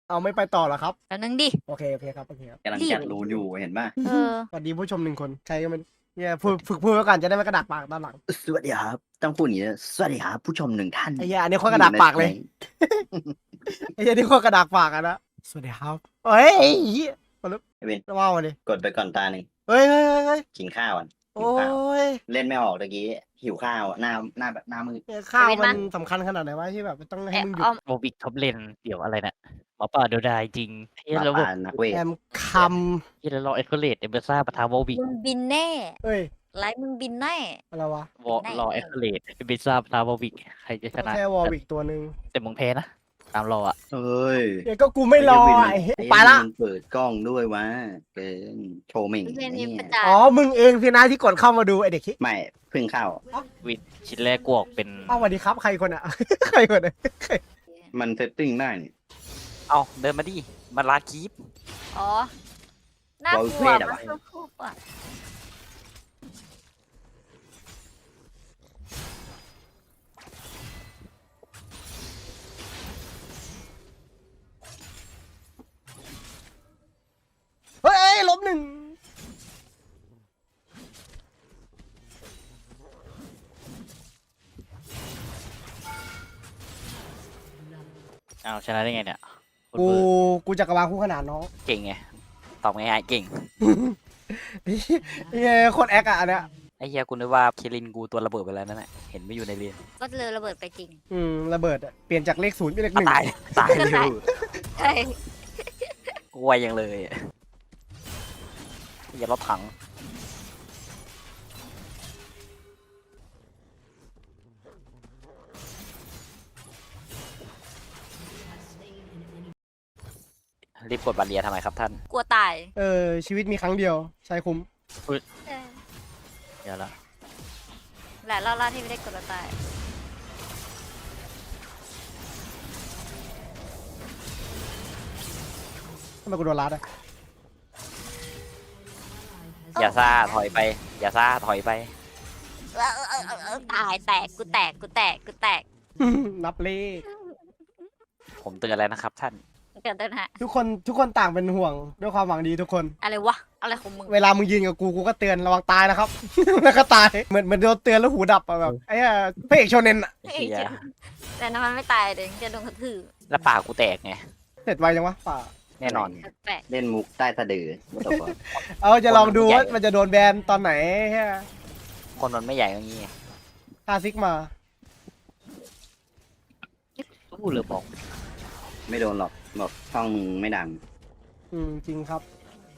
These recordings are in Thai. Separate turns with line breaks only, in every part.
เอาไม่ไปต่อเหรอครับ
แล้วนึงดิ
โอเคโอเคครับโอเคครับ
กำลังจัดรูนอยู่เห็นป่ะ
สวัสดีผู้ชม1 คนใครก็มันเนี่ยฝึกพูดไว้ก่อนจะได้ไม่กระดากปากด้านหลัง
สวัสดีครับต้องพูดอย่างนี้นะสวัสดีครับผู้ชม1 ท่าน
ไอ้เหี้ยอันนี้โคตรกระดากปากเลยไอ้เหี้ยนี่โคตรกระดากปากอะนะสวัสดีครับเฮ้ยไอ้เหี้ยมาลุก
ไอ้เวน
ว้าวมาดิ
กดไปก่อนตาหนึ่ง
เฮ้ยเฮ้ยเฮ้ยเฮ้ย
กินข้าวก่อนหิ
โอ้
วข้าวย
ย
เล่นไม่ออกตะกี้หิวข้าวหน้าแบบหน้ามืด
เนี่ยข้าวมันสำคัญขนาดไหนวะที่แบบต้องให้
แอบ
มึงหยุ
อ้อ
ด
ม
โมบิกท็อปเลนเดี๋ยวอะไรเนี่ยหมอป่าเดียวดายจริง
ห
เฮีย
มา
แล้ว
ป่านักเวท
แอมค
เฮียแล้วรอเอ็กโเลตเอเบซ่าปะทาโมบิก
มึงบินแน่
ำเอ้ย
ไลฟ์มึงบินแน่
อะไรวะ
รอเอ็กโเลตเอเบซ่าปะทาโมบิกใครจะช
ก็
นะ
แค่วอลวิกตัวหนึ่ง
แต่มึงแพ้นะ ตามรออ่ะ
เอ้ย
เดี๋ยวก็กูไม่รอไอ้เหี้ย
ไอ้
ไปละ
มันเปิดกล้องด้วยวะเกินโชว์เหม่ง
เพื่อนมี
เนี่
ประ
ย
จาน
อ๋อมึงเองสินะที่กดเข้ามาดูไอ้เด็กคิด
ไม่เพิ่งเข้า
วินชิ้นแรกกวกเป็น
อ้าวสวัสดีครับใครคนอ่ะ ใครคนอ่ะ
มันเซตติ้งได้นี่
เอาเดินมาดิ มาลาคีป
อ๋อ น่ากลัว
เวทอะ
มั
วะ
นสู้ๆอ่ะ
เฮ้ยล้มหนึ่ง
เอาชนะได้ไงเนี่ยโคตร
กู
เวอร์
กูจักรวาลคู่ขนานน้อง
เก่งไง ตอบง่ายๆเก่ง
ไอ้เหี้ยโคตรแอคอะอันเนี้ย
ไอ้เฮียกูนึกว่าเคลินกูตัวระเบิดไปแล้วนั่นแหละเห็นไม่อยู่ในเรียน
ก็เลยระเบิดไปจริง
ระเบิดอะเปลี่ยนจากเลข 0เป็นเลข 1
ตายตาย
ก็
อ
ตาย
ยู่
ใช่
กูไวยังเลยอะอย่ารถถัง รีบกดบัตรเรียนทำไมครับท่าน
กลัวตาย
ชีวิตมีครั้งเดียวใช้คุ้ม
เออ
เดี๋ยวละ
หลายรอบแล้วที่ไม่ได้กดแล้วตาย
ทำไมกูโดนรัดอะ
อย่าซ่าถอยไป อย่าซ่าถอยไป
ตายแตกกูแตกกูแตกกูแตก
นับเลข
ผมเตือนแล้วนะครับท่าน
เกิดเดินฮะ
ทุกคนต่างเป็นห่วงด้วยความหวังดีทุกคน
อะไรวะ อะไรของมึง
เวลามึงยืนกับกูก็เตือนระวังตายนะครับ แล้วก็ตายเหมือนโดนเตือนแล้วหูดับอะแบบไอ้เหี้ยพระเอกโชเนนอะ
ไอ้เหี้ย
แต่น้ำมันไม่ตายเดี๋ยวจะโดนกระทืบ
แล้วปากกูแตกไง
เสร็จไวจังวะป่า
แน่นอน
แปลก
เล่นมุกใต้สะดือว่าต่อ
เอาจะลองดูว่ามันจะโดนแบนตอนไหนแค่
คนมันไม่ใหญ่อย่างนี้ไง
คาซิกมา
พูดเลยบอก
ไม่โดนหรอกบอกช่องมึงไม่ดัง
จริงครับ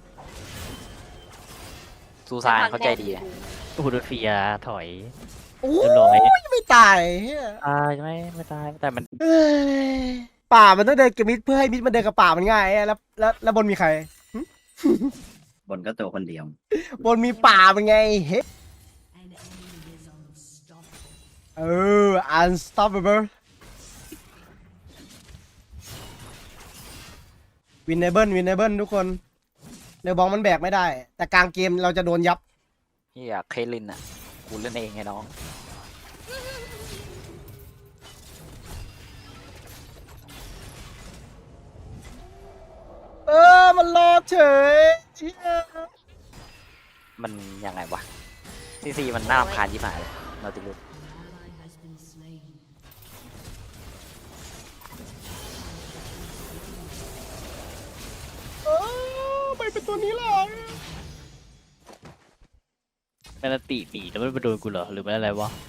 ซูซานเข้าใจดีอะอูดเฟียถอย
โอ้
เรียบร้อย
ยไม่ตายเหี้ย
ตายไม่ตายแต่มัน
เอ้ยป่ามันต้องเดินกับมิดเพื่อให้มิดมันเดินกับป่ามันง่ายอะแล้วบนมีใคร
บนก็ตัวคนเดียว
บนมีป่าเป็นไงเฮ้ยunstoppable วินเนเบิลทุกคนเรือบองมันแบกไม่ได้ แต่กลางเกมเราจะโดนยับ
เฮียเคลินอ่ะ กูเล่นเองไงน้อง
มันรอดเฉยเหี้ย
มันยังไงวะซีมันน่ารำคาญยิ่งหายเลยนาติลุส
ไปเป็นตัวนี้แหละ
แมนติหนีแล้วมันไปโดนกูเหรอหรือมันอะไรวะ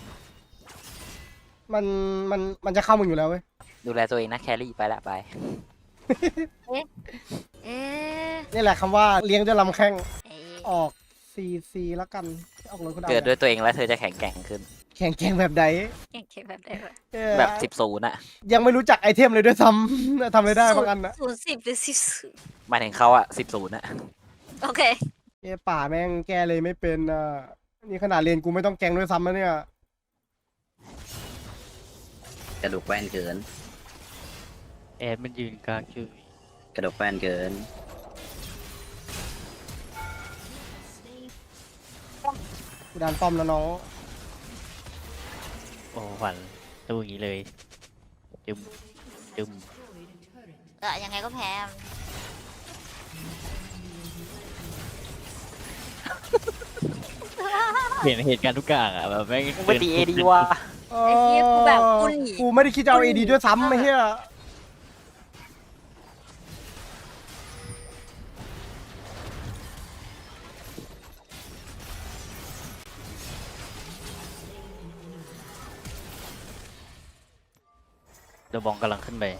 มันจะเข้ามึงอยู่แล้วเว้ย
ดูแลตัวเองนะแครี่ไปละไป
เอ๊ะ
นี่แหละคำว่าเลี้ยงด้วยลำแข้ง
เอ๊ะ
ออกซีแล้วกันออกเลยก็ได้
เกิดด้วยตัวเองแล้วเธอจะแข็งแกร่งขึ้น
แข่งแกร่งแบบใด
เก่งเก่งแบบได้ปะ
แบบ10-0อ่ะ
ยังไม่รู้จักไอเทมเลยด้วยซ้ำ ทำอะไรได้บางอันนะ
0-10หรือ10
หมายถึงเขาอ่ะ10-0อ่ะ
โอเค
ป่าแม่งแก้เลยไม่เป็นอ่ะนี่ขนาดเรียนกูไม่ต้องแกงด้วยซ้ำนะเนี่ย
กระดูกแว่นเกิน
แอดมันยืนกลางคือก
ระดูกแว่นเกิน
กูดันป้อมแล้วน้อง
โอ้หวันตู้อย่างนี้เลยจึม
ยังไงก็แพ้
เห็นเหตุการณ์ทุกอย่างอ่ะแบบแม่ง
มึงไปตีเอดีว่ะ
เอ
ไอ้เหี้ยกูแบบกูหนี
กูไม่ได้คิดจะเอาเอดีด้วยซ้ำไอ้เหี้ย
เดอะบองกำลังขึ้นไป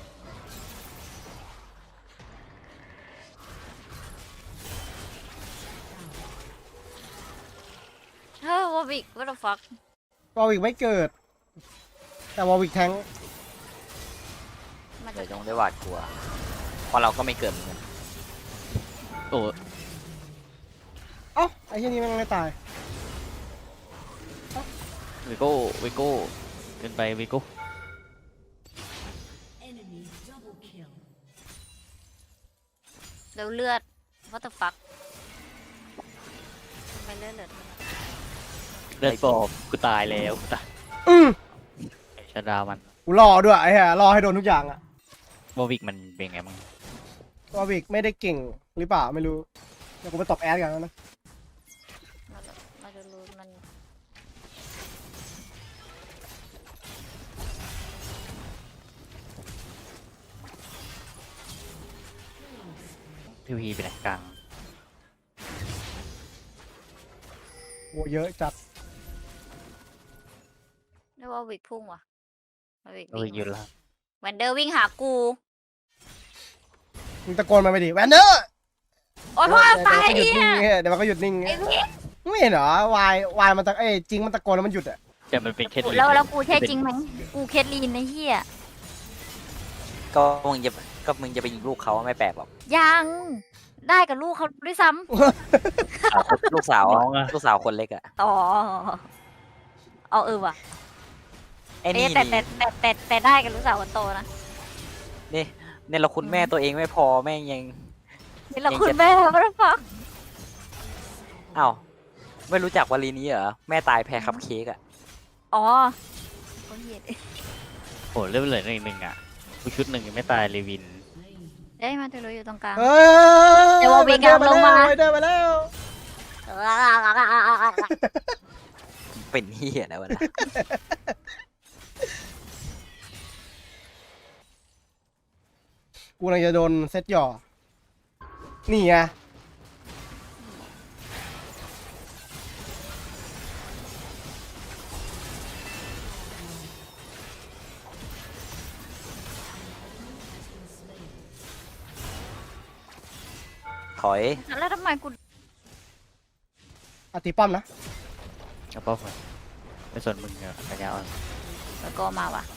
เฮ้ยวอบิก what the fuck
วอลวิกไม่เกิด แต่วอลวิกแทง
มัน
เดี๋
จะ
ยวจงได้หวาดกลัวเพราะเราก็ไม่เกิดเหมือนกัน
โอ้
เอ้าไอ้เหี้ยนี่แม่งไม่ตาย
วิโก้วิโก้ขึ้นไปวิโก้
แล้วเลือด what the fuck ทำไมเลือด
เลือดปอบกูตายแล้วกูตาย
อืม
ไอ้ชาดามัน
กูรอด้วยไอ้เหี้ยรอให้โดนทุกอย่างอะ
วอวิกมันเป็นไงบ้าง
วอลวิกไม่ได้เก่งหรือเปล่าไม่รู้เดี๋ยวกูไปตบแอดกันแล้วนะ
มันจะรู้มัน
พีพีเป็นไหนกลาง
โหเยอะจัด
เรียกว่าวิกพุ่งว่ะวอบิก
โอ้ย
วิ่ง
อยู่แล้ว
แวนเดอร์วิ่งหากู
มึงตะโกนมาไปดิแวนเดอร์
โอ้ยพ่อตาย
เดี๋ยว
เนี่
มันก็หยุดนิ่ง
ย
เงี้ยเดี๋ยวมันก็หยุดนิ่ง
ไอ้พี่
ไม่เห็นเหรอวายมันตะจริงมันตะโกนแล้วมันหยุดอะ
แต่มันเป็นแค่
แล้วกูใช่จริงไหมกูเคสลีนไอ้เหี้ย
ก็มึงจะไปยิงลูกเขาไม่แปลกหรอก
ยังได้กับลูกเขาด้วยซ้
ลูกสาว
น้องอะ
ลูกสาวคนเล็กอะ
ำต่อเอาว่ะ
ไอ้
เอ๊ะ
นี่
แต่ได้กับลูกสาวคนโตนะ
นี่เนี่ยเราคุณแม่ตัวเองไม่พอแม่งยัง
นี่เราคุณแม่what the fuck
อ้าวไม่รู้จักวลีนี้เหรอแม่ตายแพ้คัพเค้กอะ
อ๋อคนเหี้ย
โอ้เลือดเหลือหนึ่งอ่ะกูชุดหนึ่งยังไม่ตายเลวิน
เอ้ยมาเธอรู้อยู่ตรงกลาง
เฮ้ย
เดี๋ยววอลวิกอะลงมา
เดินมาแล้ว
เป็นเฮียแล้วะนะ
กูกำลังจะโดนเซตหย่อ นี่ไง
ถอย
แล้วทำไมกู
อติป้อมนะ
เอาป้อมมาไม่สนมึงอะปัญญาอ่อน
แล้วก็มาว่ะ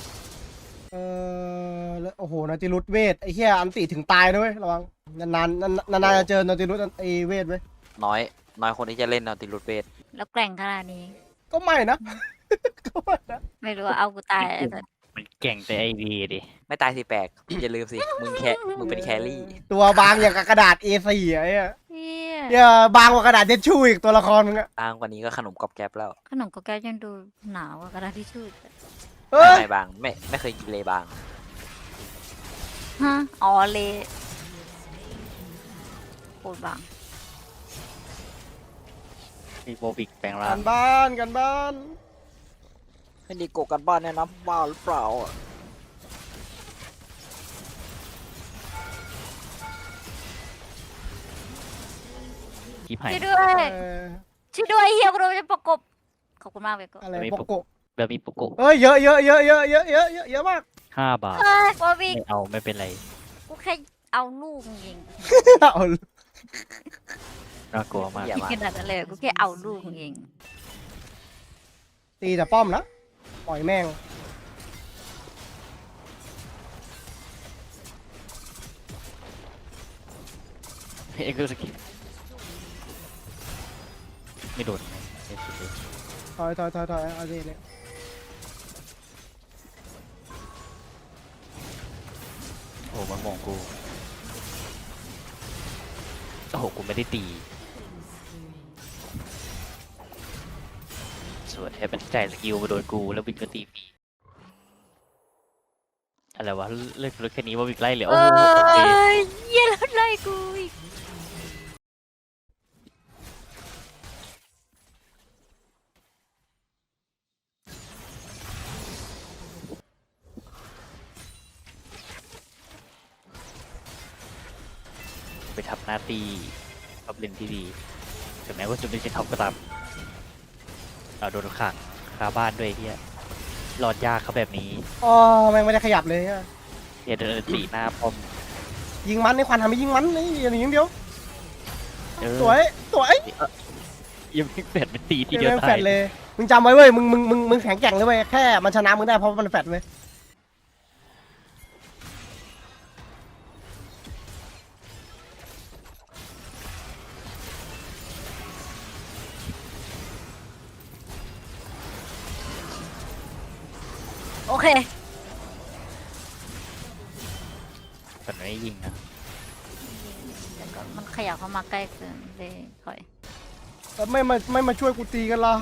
แล้วโอ้โหนาติรุตเวทไอ้เหี้ยอันติถึงตายนะเว้ยระวังนานๆจะเจอนาติรุตไอ้เวทเว้ย
น้อยคนที่จะเล่นเอาติรุตเวท
แล้วแกร่งขนาดนี้
ก็ไม่นะ ก็ไม่นะ
ไม่รู้ว่าเอากูตายไอ้สัส
มันเก่งแต่ไอวีดิ
ไม่ตายสิแปลก อย่าลืมสิมึงเป็นแครี่
ตัวบางอย่างกับกระดาษ A4 ไอ้เหี้ย
เหี้ย
เหี้ยบางกว่ากระดาษเดชชูอีกตัวละครมึงอะ
อ้างกว่านี้ก็ขนมกรอบแก๊บแล้ว
ขนมก็แก้วยังดูหนาวกว่ากระดาษทิชชู่อีกอะ
เฮ้ย
ไม่บางไม่เคยกินเลยบาง
ฮะอ๋อเลโคตรบาง
มีโบวิกแปลงร่า
กั
ง
นบ้านกันบ้าน
ให้ดีโกกันบ้านแนะนำบ้าหรือเปล่าอะ
คีบหาย
ช่วยด้วย
เออ
ช่วยด้วยเฮียกูโดนจะประกบขอบคุณมากเลยก็
อะไรโปโกะ
แบบมีโปโกะ
เอ้ยเยอะเยอะมาก
5 บาท
เฮ้ยบอวิก
ไม่เอาไม่เป็นไร
กูแค่เอาลูกมึงยิง
เอา
น่ากลัวมาก
เหี้ยมาก
ขนาดนั้นเลยกูแค่เอาลูกมึงยิง
ตีแต่ป้อมนะปล่อยแม่ง
เอ็กซ์สกิไม่โดนไม่สุดเลย
ถอยเอาสิเนี่ย
โอ้มันมองกูโอ้โหกูไม่ได้ตีสวยแทบเป็นใจสกิลมาโดนกูแล้วบินก็ตีฟรีอะไรวะเลิกรถแค่นี้ว่าวิกไล่เหลือ
เอ
โอ้โหโอเค้
ยเหี้ยแล้วไล่กูอีก
ไปทำหน้าที่ท็อปเลนที่ดีถึงแม้ว่าจะไม่ใช่ท็อปก็ตามเราโดนขังคาบ้านด้วยเฮียรอดยากเขาแบบนี้
อ๋อแม่งไม่ได้ขยับเลยอะ
เฮียเดินตีหน้าปอม
ยิงมันในควันทำให้ยิงมันนี่อย่างเดียว
เออ
สวยสวย
ยังไม่แฟดเป็นตีที
เกม
เดียว
แม่งแฟ
ตาย
ดเลยมึงจำไว้เว้ยมึงแข็งแกร่งเลยเว้ยแค่มันชนะมึงได้เพราะมันแฟดเว้ย
โอเค
แต่ไม่ยิงนะ
แต่ก็มันขยับเข้ามาใกล้เกินเลยถอย
แล้วไม่มาช่วยกูตีกันล่ะ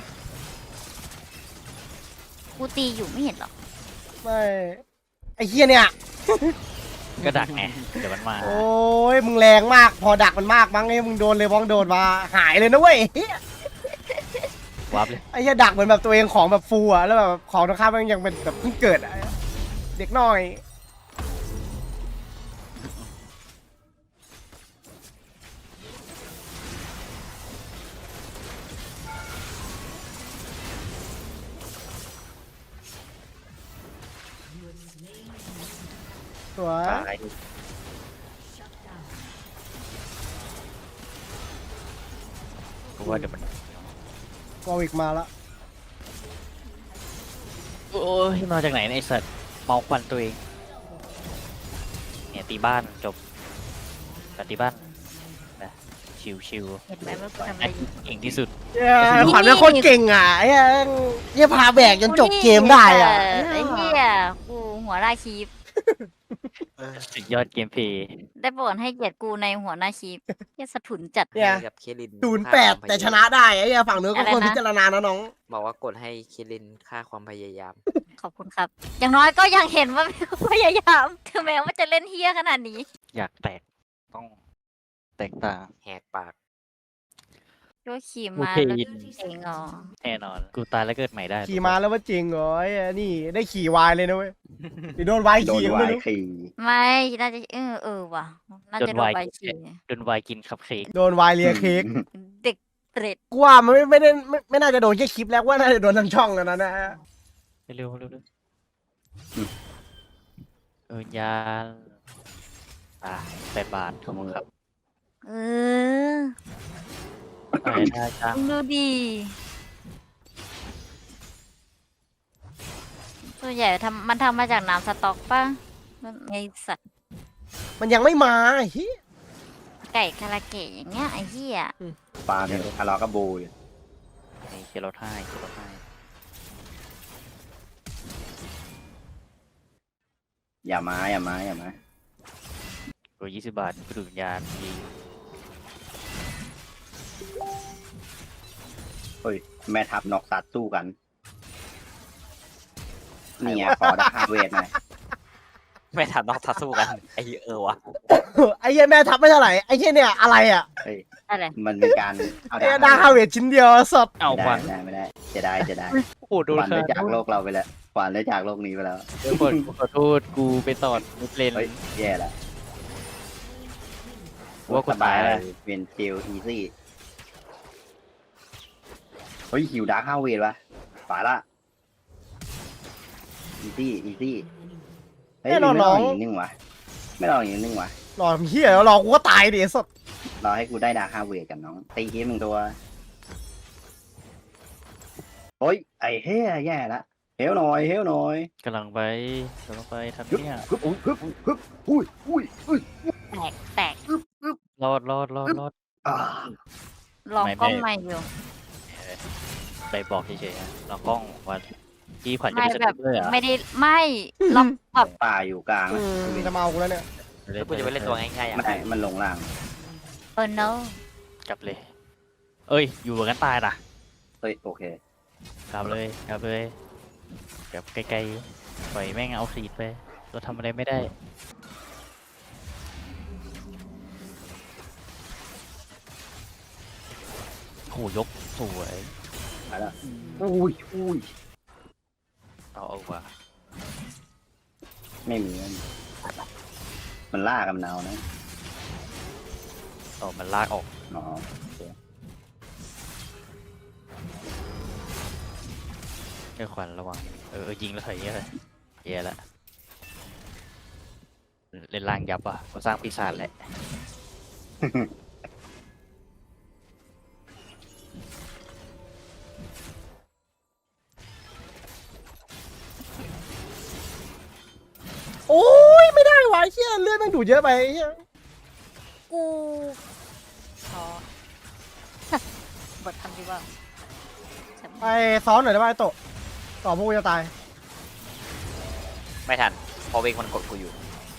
กูตีอยู่ไม่เห็นหรอก
ไม่ไอ้เฮียเนี่ย
ก็ดักไงเดี๋ยวมันมา
โอ้ยมึงแรงมากพอดักมันมากมั้งไอ้มึงโดนเลยบ้องโดนมาหายเลยนะเว้ย
วับเลย
ไอ้เหี้ยดักเหมือนแบบตัวเองของแบบฟูอะแล้วแบบของตรงข้ามมันยังเป็นแบบเพิ่งเกิดอะเด็กน้อยสวย
ตาย
กูว่าเดี๋ยวมัน
วอลวิกมาละ
โอ้ยมาจากไหนเนี่ยไอ้สัตว์เมาควันตัวเองเนี่ยตีบ้านจบแต่ตีบ้านนะชิว
เห็นไหมว่ากูทำ
ๆ
อะไรอยู่
เก่งที่สุด
เย้ขวัญเป็นคนเก่งอ่ะไอ้เหี้ยพาแบกจนจบเกมได้อ่ะ
ไอ้เหี้ยกูหัวหน้าคีป
สุดยอดเกมเพลย์
ได้โปรดให้เกียรติกูในหัวหน้าคีปเหี้ยสะทุนจัด
เนี่ย
กับเคลิน
08แต่ชนะได้ไอ้เหี้ยฝั่งเนื้อก็ควร
อะไรนะ
พิจารณานะน้อง
บอกว่ากดให้เคลินค่าความพยายาม
ขอบคุณครับ อย่างน้อยก็ยังเห็นว่าพยายามถึงแม้ว่าจะเล่นเฮี้ยขนาดนี้
อยากแตกต้องแตกต่าง
แหกปาก
โยขี่
โอ
มา
เค
แล้วเจ๋งเหรอ
แน่นอน กูตายแล้วเกิดใหม่ได้
ขี่มาแล้วว่าจริงเหรอไอ้นี่ได้ขี่วายเลยนะเว้ยหรือโดนวาย
โดน
ขี่ก็
วา
ไม่
ย
รู้
ขี่
ไม่น่าจะว่ะน่าจะโดนใบขี่
โดนวายกินคัพเค้ก
โดนวายเลียเค้ก
เด็กเปรต
กูว่ามันไม่ได้ไม่น่าจะโดนแค่คลิปแล้วว่าน่าจะโดนทั้งช่องแล้วนะฮะ
เร็วยาน8 บาทขอบคุณครับ
เออ
อะไรได้จ้า
มึงดูดีส่วนใหญ่มันทำมาจากน้ำสต๊อกป่ะไอสัตว์
มันยังไม่มาไอ้เหี้ย
ไก่คาราเกะอย่างเงี้ยไอ้เหี้ย
ปาเนี่ยทะเลาะกับบูอยู่
เคียร์รถให้
อย่ามา
ตัว20 บาทกูดูวิญญาณดี
เฮ้ยแม่ทัพนอกสัตว์สู้กันนี่ไงขอดาเวทหน่อย
ไม่ทันนอกทัดสู้กัน ไอ้วะ
ไอ้เหี้ยแม่ทับไม่เท่าไหร่ไอ้เหี้ยเนี่ยอะไรอ่ะ
เฮ้ย
อะไร
มันเป็นการเอา
ไอ้ดาฮาเวทชิ้นเดียวสด
เอาควัน
ไม่ได้จะได้
โอ้โดน
ขวัญ
ค่ะ
ได้จากโลกเราไปแล้วขวัญได้จากโลกนี้ไปแล้ว
เดี๋ยวก่อนกูขอโทษกูไปตอดมิดเลน
เฮ้ยแย่ละ
ว่ากู
สบาย
ตาย
เลยเป็นจิลอีซี่เฮ้ยหิวดาร์คฮาเวทวะฝ่ายละอีซี่เฮ้ยไม่ลองอีกนึงวะไม่ลองอีกนึงวะ
หลอมเหี้ยแล้วรอกูก็ตายดิไอ้สด
รอให้กูได้ดาร์คฮาเวทกันน้องตีทีมึงตัวโอ้ยไอ้เฮ้ยแย่ละเฮลหน่อย
กำลังไปทำเนี่ย
ฮึบอุ้ย
แตก
รอด
อ่า
ลอง
ไม่
กล้องใหม่อยู่
ไปบอกเฉยๆนะลองกล้องว่าที่ขวัญจะ
ไม่
ไปส
แบบ
ติ๊กเกอร์อ่ะ
ไม่ได้ไม่ลองแบบ
ป่าอยู่กลาง
จะมาเอากูแล้วเนี่ย
แล้วกูจะไปเล่นตัวง่ายๆอ่ะ
มันลงล่าง
no
กลับเลย เอ้ย อยู่กันตายนะ
เฮ้ยโอเค
กลับเลยแบบไกลๆปล่อยแม่งเอาสีดไปเราทำอะไรไม่ได้โหยกสวย
มาแล้วอุ้ย
เอาว่ะ
ไม่มีมันล่ากับมันเอานะ
ต่อมันลากออก
อ๋อ
แค่ขวัญระวังยิงแล้วถอยเยอะเลยแย่ละเล่นล่างยับอ่ะก็สร้างปีศาจแหละ
โอ้ยไม่ได้วะไอ้เหี้ยเลือดแม่งดูดเยอะไปไอ้เหี้ย
กูท้อ บททำดีว่าฉัน
ไปซ้อนหน่อยได้ไหมไอ้โตะต่อพวกกูจะตาย
ไม่ทันเพอเวกมันกดกูอยู่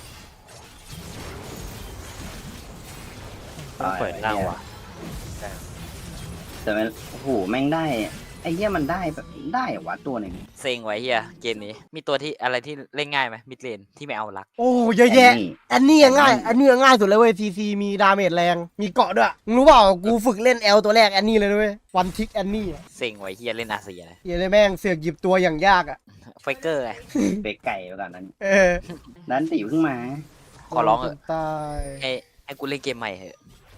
ต้องเปิดล่างว่ะ
แต่มันโอ้โหแม่งได้ไอ้เหี้ยมันได้แบบได้เหรอวะตัวหนึ่ง
เซ็งไว้เฮียเกมนี้มีตัวที่อะไรที่เล่นง่ายไหมมิดเลนที่ไม่เอารัก
โอ้เยอะแยะ
นี่
อันนี้ยังง่าย อันนี้ยังง่ายสุดเลยเว้ยซีซีมีดาเมจแรงมีเกาะด้วยมึงรู้เปล่ากูฝึกเล่นแอลตัวแรกอันนี้เลยด้วยวันทิกอันนี้อะ
เซ็งไว้เฮียเล่นอาเซียนะ
เหี้ยเลยแม่งเสือกหยิบตัวอย่างยากอ่ะ
ไฟเกอร์ไง
เบรกไก่ไปก่อนนั้น
เออ
นั้นติวขึ้นมา
ขอร้องเถอะ
ตาย
ให้กูเล่นเกมใหม่เถอะ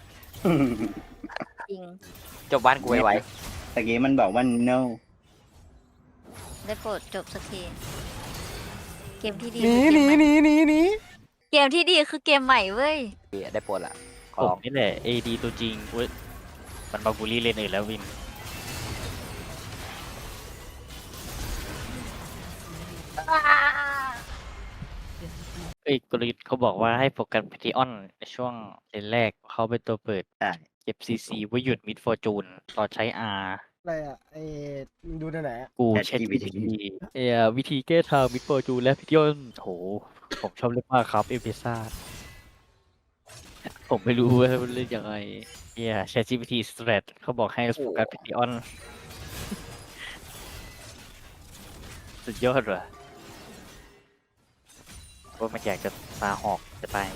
จริง
จบบ้านกูไว้
ตะกี้มันบอกว่า no
ได้โปรดจบสักทีเกมที่ดี
หนี
คือ
ห
เก
นี
มใหม่
หนีหนีหนี
เกมที่ดีคือเกมใหม่เว้ย
ได้โปรดละขอ
ผม
ร้อง
นี่แหละ AD ตัวจริงเว้ยมันมาบูลลี่เลนอื่นแล้ววินกลยุทธ์เขาบอกว่าให้โฟกัสพิธีออนในช่วงเลนแรกเขาเป็นตัวเปิด
ใช่
เก็บ CC ไว้หยุดมิดฟอร์จูนต่อใช้ R
อะไรอ่ะมึงดูได้ไหนอะ
กูเช็ควิธีแก้ทางมิดฟอร์จูนและพิธีออนโหผมชอบเล่นมากครับเอพิซาผมไม่รู้ว่าเล่นยังไงChatGPT Strat เขาบอกให้โฟกัสพิธีออน สุดยอดว่ะว่ามันอยากจะตาหอกจะไป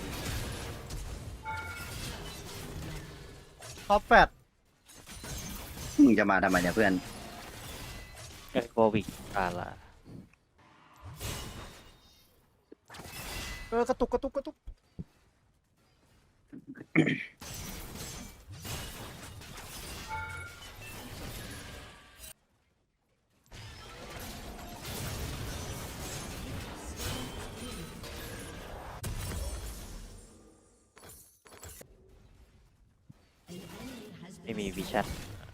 ท็อปแฟต
มึงจะมาทำไมเนี่ยเพื่อน
โควิดละ
กระตุกกระตุกกระตุก
ไม่มีวิชั่น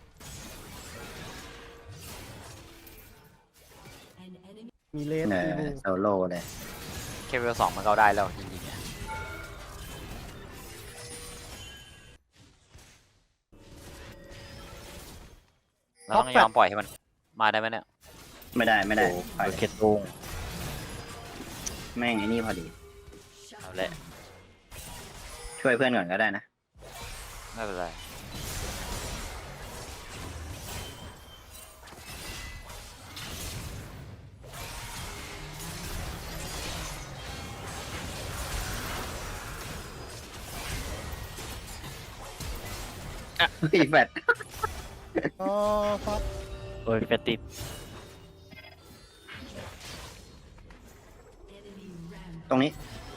มีเลส
เอ
มี
อ
บู
โซโล่เลย
แค่เวล2มันก็เอาได้แล้วจริงๆเนี่ยเราต้องยอมปล่อยให้มันมาได้ไหมเนี่ย
ไม่ได้ไม่ได้
โอ้
ปล่อย
เกตตุง
แม่งไอ้นี่พอดี
เอาละ
ช่วยเพื่อนก่อนก็ได้นะ
ไม่เป็นไร
พี่แฟด
อ๋อครับ
โอ้ยแฟตติด
ตรงนี้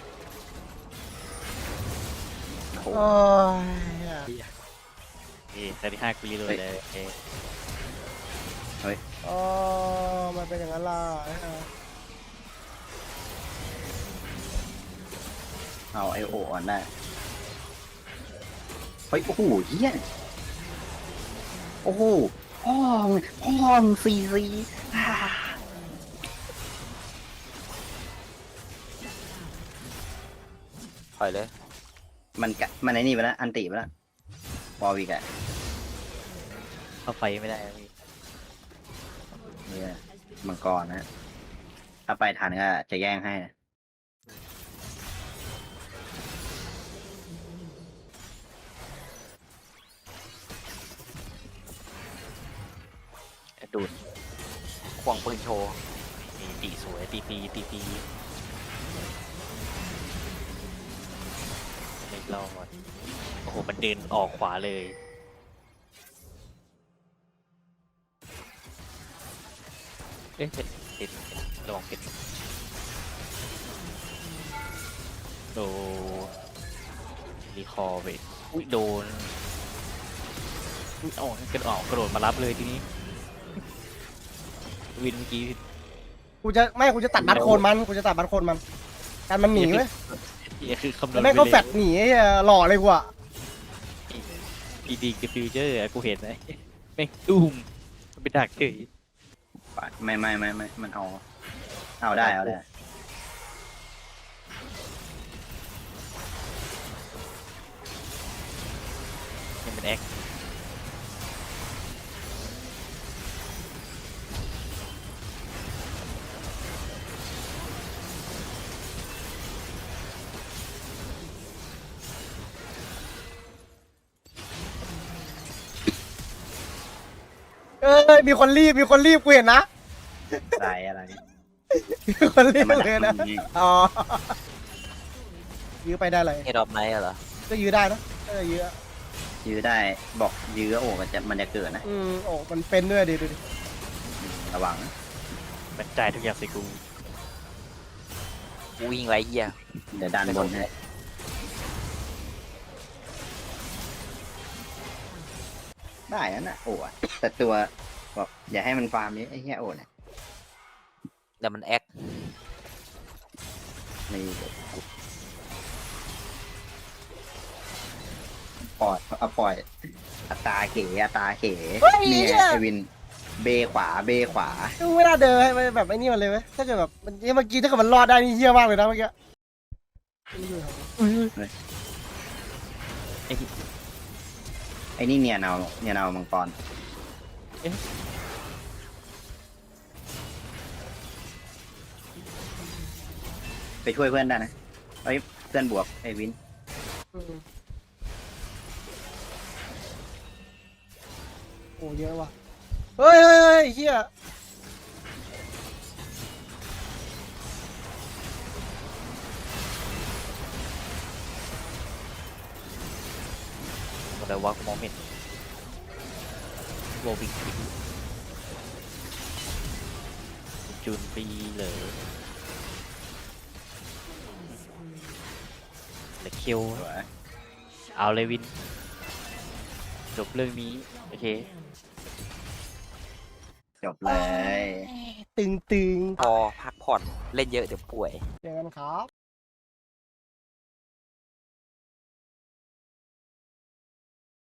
โอ้ย
แต่ที่5กูรีเลยเลย
อ๋อมันเป็นอย่างนั้นล่ะ
เอาไอโออ่อนได้ เฮ้ย โอ้โหเฮี้ยโอ้โหพ่อมซีซี
ปล่อยเลย
มันไอ้นี่ไปแล้ว อันติไปแล้ววอลวิกอะ
เข้าไฟไม่ได้พี่
เนี่ยมังกรนะ ถ้าไปทันก็จะแย่งให้นะ
ดูด
ควงปืนโชว์
ตีสวยตีปีรอดโอ้โหมันเดินออกขวาเลยเอ๊ะเป็นระวังเป็นโดรีคอร์ไปอุ้ยโดนอุ๊ยกระโดดมารับเลยทีนี้วินเมื่อกี้
กูจะตัดบัตรโคนมันกูจะตัดบัตรโคนมันการมันหนีเว้ย
เหี้ยคือคำนว
แล้
ณ
วแม่งก็แฟดหนีไอ้เหี้ยหล่อเลยกูอะ
พีดีกับฟิวเจอร์กูเห็นนะแม่งตุ้มมันเป็นดักเฉย
ไม่มันเอาได้
นี่มันแอค
เอ้ยมีคนรีบกูเห็นนะ
อะไร
มีคนรี
แต่
บ
มัน
เลยนะอ๋อยื้อไปได้เลย
เฮดอฟไนท์เหรอ
ก็ยื้อได้นะยื้อ
ยื้อได้บอกยื้อโอ้มันจะเกิดนะ
โอ้มันเป็นด้วยดิดูดิ
ระวัง
มันจ่ายทุกอย่างใส่กู
กูยิงไรเหี้ย
เดี๋ยวดันบนให้ได้นั่นน่ะโอ้อะแต่ตัวบอกอย่าให้มันฟาร์มนี้ไอ้เหี้ยโอ้เนี่ย
แต่มันแอค
นี่ปล่อยอัตราเขเนี่ยไอวินเบขวา
กูไม่น่าเดินให้มันแบบไอ้นี่มันเลยเว้ยถ้าเกิดแบบมันเมื่อกี้ถ้าเกิดมันรอดได้นี่เฮี้ยมากเลยนะเมื่อกี้
ไอ้นี่เนี่ยเนามังกรไปช่วยเพื่อนได้นะเอ้ยเพื่อนบวกไอวิน
โอ้เยอะว่ะเฮ้ยเฮี้ย
อะไรวะกูมองไม่เห็นโวบิกจูนปีเลยเหล็กคิวเอาเลยวินจบเรื่องนี้โอเค
จบเลย
ตึง
พอพักผ่อนเล่นเยอะเดี๋ยวป่วย
เจอกันครับ